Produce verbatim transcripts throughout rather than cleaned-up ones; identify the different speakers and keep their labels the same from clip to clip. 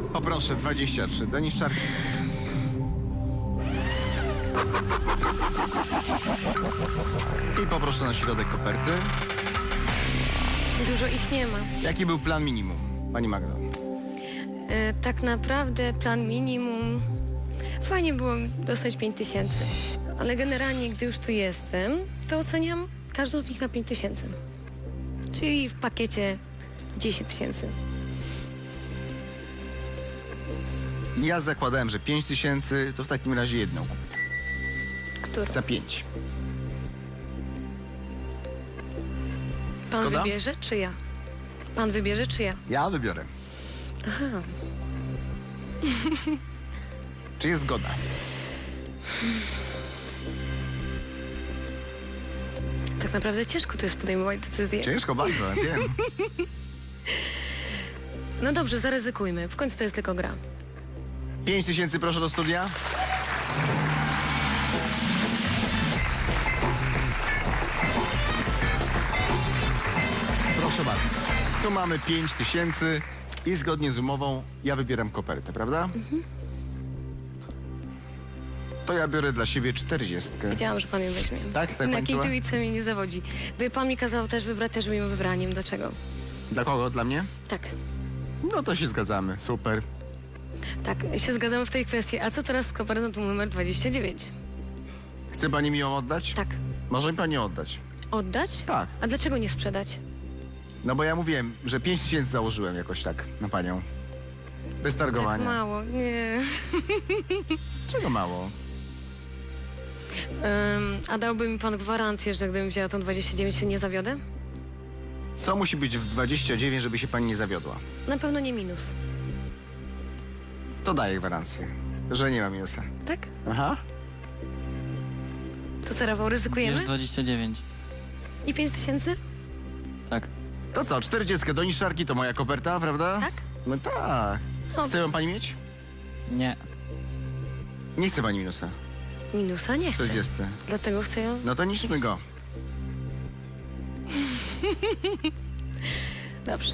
Speaker 1: Poproszę, dwadzieścia trzy. Do niszczarki. I poproszę na środek koperty.
Speaker 2: Dużo ich nie ma.
Speaker 1: Jaki był plan minimum, pani Magdo?
Speaker 2: E, tak naprawdę plan minimum... Fajnie było dostać pięć tysięcy. Ale generalnie, gdy już tu jestem, to oceniam każdą z nich na pięć tysięcy. Czyli w pakiecie dziesięć tysięcy.
Speaker 1: Ja zakładałem, że pięć tysięcy, to w takim razie jedną.
Speaker 2: Którą?
Speaker 1: Za pięć.
Speaker 2: Pan
Speaker 1: Zgoda?
Speaker 2: wybierze, czy ja? Pan wybierze, czy ja?
Speaker 1: Ja wybiorę.
Speaker 2: Aha.
Speaker 1: Czy jest zgoda?
Speaker 2: Tak naprawdę ciężko tu jest podejmować decyzję.
Speaker 1: Ciężko bardzo, ja wiem.
Speaker 2: No dobrze, zaryzykujmy. W końcu to jest tylko gra.
Speaker 1: pięć tysięcy proszę do studia. Proszę bardzo. Tu mamy pięć tysięcy i zgodnie z umową ja wybieram kopertę, prawda? Mhm. To ja biorę dla siebie czterdziestkę.
Speaker 2: Wiedziałam, że pan ją weźmie.
Speaker 1: Tak? Tak
Speaker 2: Jednak
Speaker 1: pani czuła?
Speaker 2: intuicja mnie nie zawodzi. Gdyby pan mi kazał też wybrać, też bym ją wybraniem. Dlaczego?
Speaker 1: Dla kogo? Dla mnie?
Speaker 2: Tak.
Speaker 1: No to się zgadzamy. Super.
Speaker 2: Tak, się zgadzamy w tej kwestii. A co teraz z kopertą numer dwadzieścia dziewięć?
Speaker 1: Chce pani mi ją oddać?
Speaker 2: Tak.
Speaker 1: Może mi pani oddać.
Speaker 2: Oddać?
Speaker 1: Tak.
Speaker 2: A dlaczego nie sprzedać?
Speaker 1: No bo ja mówiłem, że pięć tysięcy założyłem jakoś tak na panią. Bez targowania.
Speaker 2: Tak mało. Nie.
Speaker 1: Czego mało?
Speaker 2: Um, a dałby mi pan gwarancję, że gdybym wzięła tą dwadzieścia dziewięć, się nie zawiodę?
Speaker 1: Co musi być w dwadzieścia dziewięć, żeby się pani nie zawiodła?
Speaker 2: Na pewno nie minus.
Speaker 1: To daję gwarancję, że nie ma minusa.
Speaker 2: Tak?
Speaker 1: Aha.
Speaker 2: To co, Rafał, ryzykujemy?
Speaker 3: Bierz dwadzieścia dziewięć.
Speaker 2: I pięć tysięcy?
Speaker 3: Tak.
Speaker 1: To co, czterdzieści do niszczarki to moja koperta, prawda?
Speaker 2: Tak?
Speaker 1: No tak.
Speaker 2: No,
Speaker 1: Chce ją pani mieć?
Speaker 3: Nie.
Speaker 1: Nie chce pani minusa.
Speaker 2: minusa nie chcę.
Speaker 1: czterdzieści.
Speaker 2: Dlatego chcę ją...
Speaker 1: No to niszczmy go.
Speaker 2: Dobrze.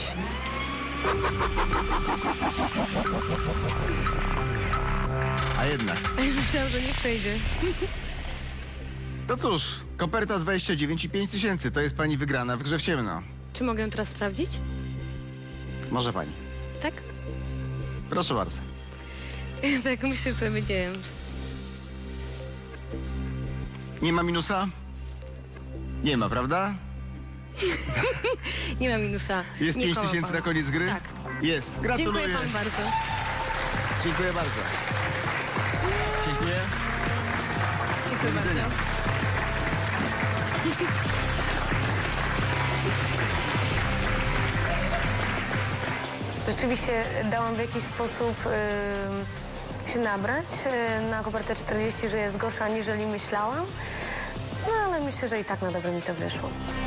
Speaker 1: A jednak.
Speaker 2: A już myślałam, że nie przejdzie.
Speaker 1: To cóż, koperta dwadzieścia dziewięć i pięć tysięcy. To jest pani wygrana w grze w ciemno.
Speaker 2: Czy mogę ją teraz sprawdzić?
Speaker 1: Może pani.
Speaker 2: Tak?
Speaker 1: Proszę bardzo.
Speaker 2: Tak, myślę, że to będzie...
Speaker 1: Nie ma minusa? Nie ma, prawda?
Speaker 2: Nie ma minusa.
Speaker 1: Jest
Speaker 2: Nie
Speaker 1: pięć
Speaker 2: kłamał
Speaker 1: tysięcy
Speaker 2: pan.
Speaker 1: na koniec gry?
Speaker 2: Tak.
Speaker 1: Jest. Gratuluję.
Speaker 2: Dziękuję pan bardzo.
Speaker 1: Dziękuję bardzo. Dziękuję.
Speaker 2: Dziękuję
Speaker 1: Do widzenia.
Speaker 2: bardzo. Rzeczywiście dałam w jakiś sposób y, się nabrać y, na kopertę czterdzieści, że jest gorsza aniżeli myślałam. No ale myślę, że i tak na dobre mi to wyszło.